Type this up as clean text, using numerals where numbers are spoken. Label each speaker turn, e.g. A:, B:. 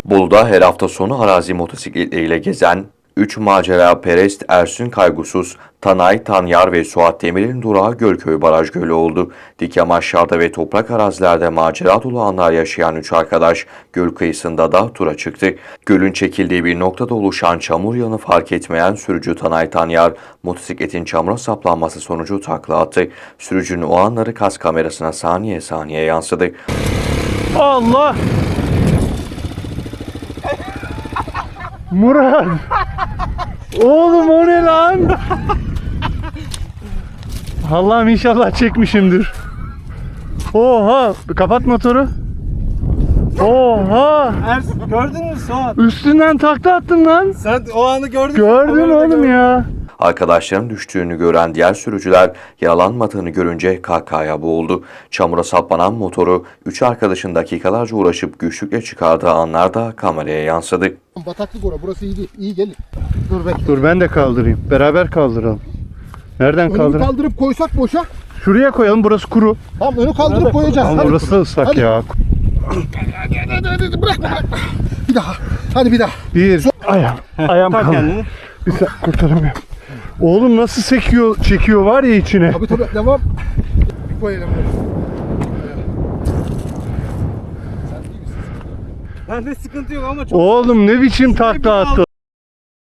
A: Bolu'da her hafta sonu arazi motosikletleriyle gezen 3 macera perest Ersun Kaygusuz, Tanay, Tanyar ve Suat Demir'in durağı Gölköy Baraj Gölü oldu. Dik yamaçlarda ve toprak arazilerde macera dolu anlar yaşayan 3 arkadaş göl kıyısında da tura çıktı. Gölün çekildiği bir noktada oluşan çamur yağını fark etmeyen sürücü Tanay Tanyar, motosikletin çamura saplanması sonucu takla attı. Sürücünün o anları kas kamerasına saniye saniye yansıdı.
B: Allah! Murat! Oğlum o ne lan? Allah'ım inşallah çekmişimdir. Oha! Kapat motoru. Oha!
C: Gördün mü Suat?
B: Üstünden takla attın lan.
C: Sen o anı gördün mü?
B: Gördüm
C: Kamerada
B: oğlum
C: gördüm.
B: ya.
A: Arkadaşların düştüğünü gören diğer sürücüler yaralanmadığını görünce kahkahaya boğuldu. Çamura saplanan motoru 3 arkadaşın dakikalarca uğraşıp güçlükle çıkardığı anlar da kameraya yansıdı.
D: Bataklık orası. Burası iyi değil. İyi gelin. Dur bekle.
B: Dur ben de kaldırayım. Beraber kaldıralım. Nereden
D: Önü
B: kaldıralım?
D: kaldırıp koysak boşa.
B: Şuraya koyalım, burası kuru.
D: Tamam önü kaldırıp koyacağız.
B: Ama
D: Hadi.
B: burası da ıslak
D: Hadi.
B: ya.
D: Hadi, bırakma. Bir daha. Hadi bir daha.
B: Ayağım
C: Tak
B: kaldı.
C: kendini.
B: Bir sen kurtaramıyorum. Oğlum nasıl çekiyor var ya içine.
D: Tabii devam. Bir koyalım.
C: Bende sıkıntı yok ama çok...
B: Oğlum ne biçim takla attı.